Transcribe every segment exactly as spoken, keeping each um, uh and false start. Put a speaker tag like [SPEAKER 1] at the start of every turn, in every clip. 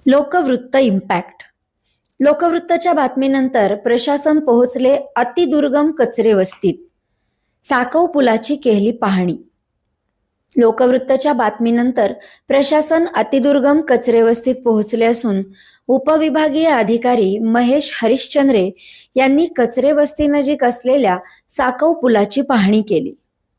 [SPEAKER 1] लोकवृत्त impact. लोकवृत्तच्या बातमीनंतर प्रशासन पोहोचले अतिदुर्गम कचरे वस्तीत. साकव पुलाची केली पाहणी. लोकवृत्तच्या बातमीनंतर प्रशासन अतिदुर्गम कचरे वस्तीत पोहोचले असून उपविभागीय अधिकारी महेश हरिश्चंद्रे यांनी कचरे वस्तीनजीक असलेल्या साकव पुलाची पाहणी केली.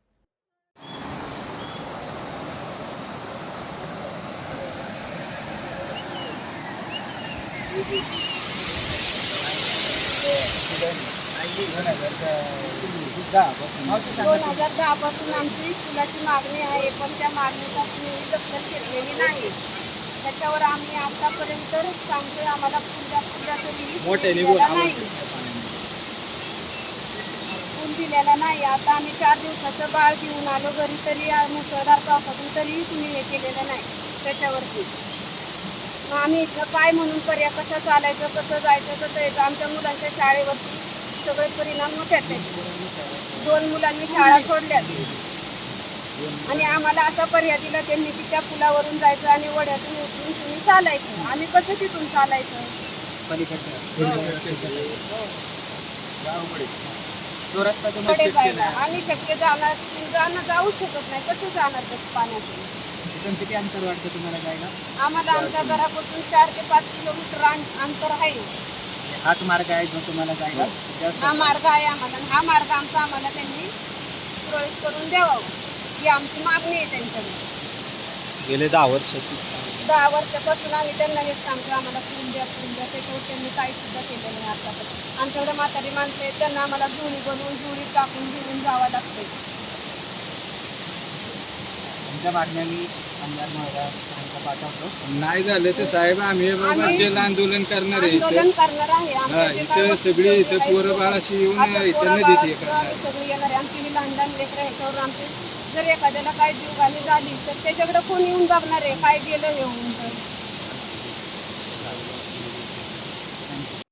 [SPEAKER 2] दोन हजार दहा पासून आमची पुलाची मागणी आहे, पण त्या मागणीचा कुणीही दखल घेतलेली नाही. त्याच्यावर आम्ही आतापर्यंत सांगतोय, आम्हाला पुल्या पुल्या तरी दिलेला नाही पूल दिलेला नाही. आता आम्ही चार दिवसाचं बाळ घेऊन आलो घरी, तरी मुसळधार पावसातून तरी कुणी हे केलेलं नाही त्याच्यावरती. मग आम्ही इथं काय म्हणून पर्याय कसं चालायचं, कसं जायचं, कसं यायचं. आमच्या मुलांच्या शाळेवरती सगळे परिणाम होतात त्याचे. दोन मुलांनी शाळा सोडल्यात आणि आम्हाला असा पर्याय दिला त्यांनी की त्या पुलावरून जायचं आणि वड्यातून उतरून तुम्ही चालायचं. आम्ही कसं तिथून चालायचं? पुढे जायला आम्ही शक्य जाणार जाणं जाऊ शकत नाही. कसं जाणार त्या पाण्यातून?
[SPEAKER 3] किती अंतर वाटतं तुम्हाला जायला?
[SPEAKER 2] आम्हाला आमच्या घरापासून चार ते पाच किलोमीटर अंतर आहे.
[SPEAKER 3] हाच मार्ग आहे जो तुम्हाला जायला?
[SPEAKER 2] हा मार्ग आहे आम्हाला. हा मार्ग आमचा आम्हाला त्यांनी सुरळीत करून द्यावा ही आमची मागणी आहे त्यांच्याकडे.
[SPEAKER 3] गेले दहा वर्ष
[SPEAKER 2] दहा वर्षापासून आम्ही त्यांना हेच सांगतो, आम्हाला पूल द्या पूल द्या. त्याच्यावर त्यांनी काही सुद्धा केलं नाही आतापर्यंत. आमच्याकडे म्हातारी माणसं आहेत, त्यांना आम्हाला जुळी बनवून जुळी टाकून घेऊन जावं लागतंय.
[SPEAKER 3] तुमच्या मागण्या मी आमदार महोदय पाठवतो.
[SPEAKER 4] नाही झालं तर साहेब आम्ही बाबा जल आंदोलन करणार आहे.
[SPEAKER 2] आंदोलन करणार आहे. आमच्या जे काय
[SPEAKER 4] इथं
[SPEAKER 2] वस्तू
[SPEAKER 4] सगळी इथं
[SPEAKER 2] आहेत,
[SPEAKER 4] पोरं बाळाशी येऊन
[SPEAKER 2] असं
[SPEAKER 4] इथं
[SPEAKER 2] पोरं
[SPEAKER 4] नदीत
[SPEAKER 2] बाळं
[SPEAKER 4] हे
[SPEAKER 2] सुद्धा
[SPEAKER 4] करणार.
[SPEAKER 2] आम्ही सगळी येणार आहे. आमची ही लहान लहान लेकरं ह्याच्यावर आमची जर एखाद्याला काय जीवघाणी झाली तर त्याच्याकडे कोण येऊन बघणार आहे? काय गेलं हे होऊन